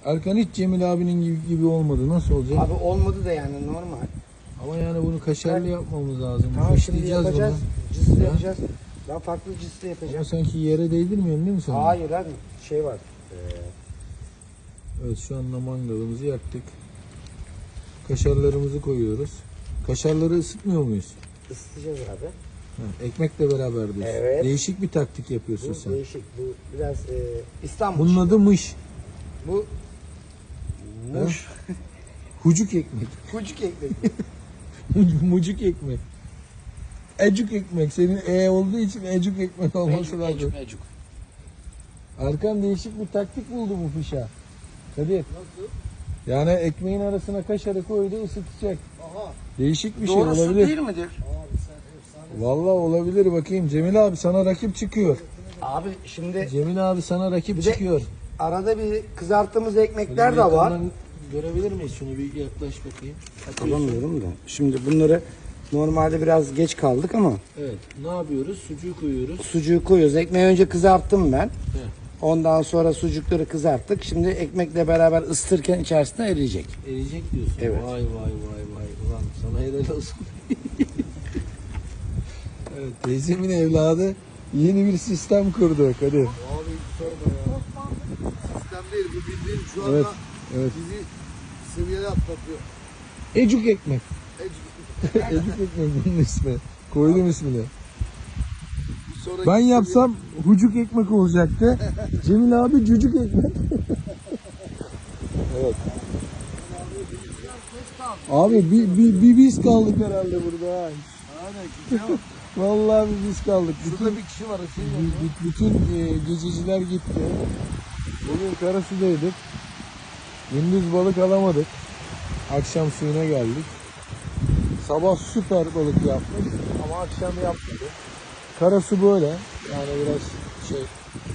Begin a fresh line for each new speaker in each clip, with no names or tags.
Erkan hiç Cemil abinin gibi olmadı. Nasıl olacak?
Abi olmadı da yani normal.
Ama yani bunu kaşarlı yapmamız lazım.
Tamam şimdi
Fışlayacağız
yapacağız.
bunu.
Cıslı
Ha?
yapacağız. Ben farklı cıslı
Ama
yapacağım.
sanki yere değdirmiyorsun değil mi sen?
Hayır abi şey var.
Evet, şu anda mangalımızı yaktık. Kaşarlarımızı koyuyoruz. Kaşarları ısıtmıyor muyuz?
Isıtacağız abi.
Ha, ekmekle beraber diyorsun.
Evet.
Değişik bir taktik yapıyorsun
Bu
sen.
değişik. Bu biraz İstanbul.
Bunun adı mış.
Bu muş.
Hucuk ekmek.
Kucuk ekmek.
Mucuk ekmek. Ecuk ekmek. Senin olduğu için ecuk ekmek olması lazım.
Mecuk.
Erkan değişik bir taktik buldu bu fişa. Kadir.
Nasıl?
Yani ekmeğin arasına kaşarı koydu, ısıtacak.
Aha.
Değişik bir şey
Doğrusu
olabilir.
değil midir?
Vallahi olabilir, bakayım. Cemil abi sana rakip çıkıyor.
Abi şimdi
Cemil abi sana rakip
Bir de-
çıkıyor.
arada bir kızarttığımız ekmekler
Şöyle
de var.
yakından görebilir miyiz? Şunu bir yaklaş bakayım.
Alamıyorum da. Şimdi bunları normalde biraz geç kaldık ama
Evet. Ne yapıyoruz? Sucuğu koyuyoruz.
sucuğu koyuyoruz. Ekmeği önce kızarttım ben.
Heh.
Ondan sonra sucukları kızarttık. Şimdi ekmekle beraber ısıtırken içerisinde eriyecek.
Eriyecek diyorsun.
Evet.
Vay vay vay vay. Ulan sana helal olsun. Evet, teyzemin evladı yeni bir sistem kurdu Kadir.
Abi hiç sorma ya. Sistem değil bu bildiğin şu anda
Evet. Evet.
bizi seviyeye atlatıyor.
Ecuk ekmek.
Ecik.
Ecuk ekmek bunun ismi. Koydum ismini.
Bir sonraki
Ben
seviye-
yapsam hucuk ekmek olacaktı. Cemil abi cücük ekmek. Evet. Abi bir biz kaldık herhalde burada. Ha.
Aynen gidiyor.
Vallahi bir biz kaldık.
Şurada bir kişi var o şey yapıyor.
Bütün gececiler gitti. Bugün Karasu'daydık. Gündüz balık alamadık. Akşam suyuna geldik. Sabah süper balık yapmış ama akşam yapmadı. Karasu böyle. Yani biraz şey,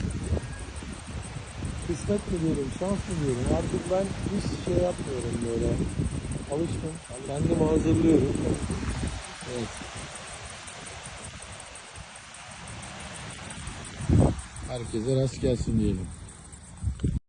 kısmet mi diyorum, şans mı diyorum. Artık ben hiç şey yapmıyorum böyle. Alıştım. Kendimi hazırlıyorum. Evet. Herkese rast gelsin diyelim.